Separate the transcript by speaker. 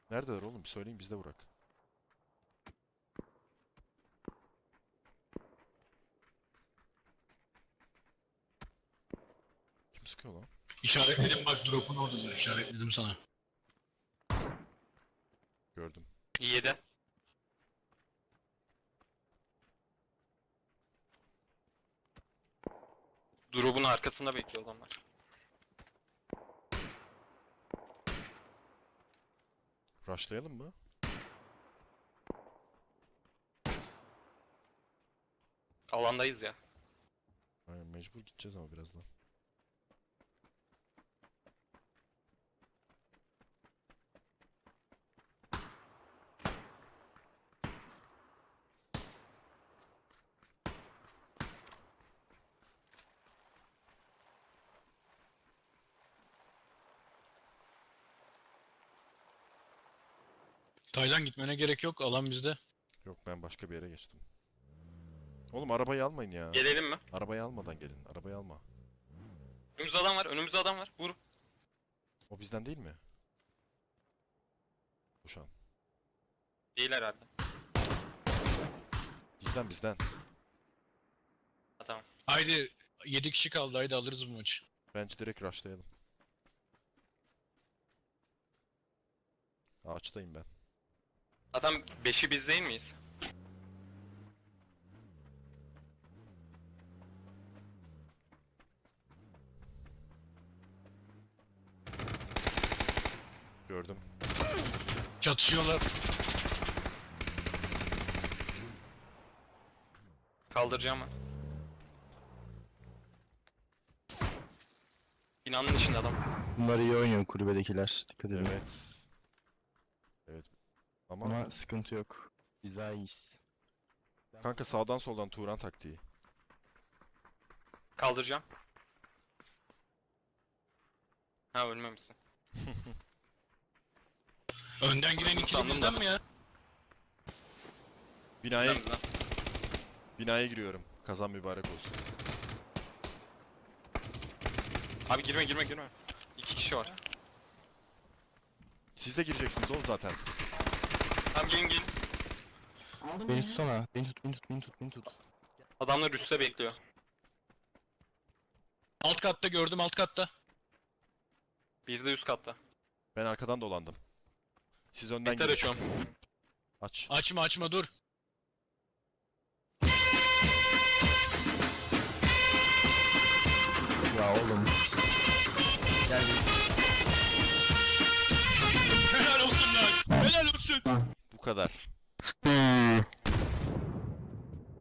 Speaker 1: Neredeler oğlum? Bir söyleyin biz de vurak. Kim sıkıyor lan?
Speaker 2: İşaretledim bak, drop'un oradadır, işaretledim sana.
Speaker 1: Gördüm.
Speaker 3: 7. Drop'un arkasında bekliyor adamlar.
Speaker 1: Rushlayalım mı?
Speaker 3: Alandayız ya.
Speaker 1: Aynen mecbur gideceğiz ama birazdan.
Speaker 2: Taylan gitmene gerek yok, alan bizde.
Speaker 1: Yok ben başka bir yere geçtim. Oğlum arabayı almayın ya.
Speaker 3: Gelelim mi?
Speaker 1: Arabayı almadan gelin. Arabayı alma.
Speaker 3: Önümüzde adam var. Önümüzde adam var. Vur.
Speaker 1: O bizden değil mi? Uşan.
Speaker 3: Değil herhalde.
Speaker 1: Bizden.
Speaker 3: Ha, tamam.
Speaker 2: Haydi 7 kişi kaldı, haydi alırız bu maçı.
Speaker 1: Bence direkt rushlayalım. Ağaçtayım ben.
Speaker 3: Adam 5'i biz değil miyiz?
Speaker 1: Gördüm.
Speaker 2: Çatışıyorlar.
Speaker 3: Kaldıracağım ben. Binanın içinde adam.
Speaker 4: Bunlar iyi oynuyor kulübedekiler. Dikkat edin.
Speaker 1: Evet. Evet. Ama
Speaker 4: Ama sıkıntı yok. Biz daha iyiyiz.
Speaker 1: kanka sağdan soldan Turan taktiği.
Speaker 3: Kaldıracağım. Ha, ölmemişsin.
Speaker 2: Önden giren ikili
Speaker 3: Sandım
Speaker 2: bizden
Speaker 3: da.
Speaker 2: mi ya?
Speaker 1: Binaya
Speaker 3: Bizden.
Speaker 1: binaya giriyorum. Kazan mübarek olsun.
Speaker 3: Abi girme. 2 kişi var.
Speaker 1: Siz de gireceksiniz oğlum zaten.
Speaker 3: Tamam, gelin.
Speaker 4: Beni tutsana. Beni tut.
Speaker 3: Adamlar üstte bekliyor.
Speaker 2: Alt katta gördüm, alt katta.
Speaker 3: Bir de üst katta.
Speaker 1: Ben arkadan dolandım. Siz önden
Speaker 3: Biter
Speaker 1: girin.
Speaker 3: açıyorum.
Speaker 1: Aç.
Speaker 2: Açma dur.
Speaker 4: Ya oğlum. Gel
Speaker 2: Helal olsun lan. Helal olsun.
Speaker 1: Bu kadar.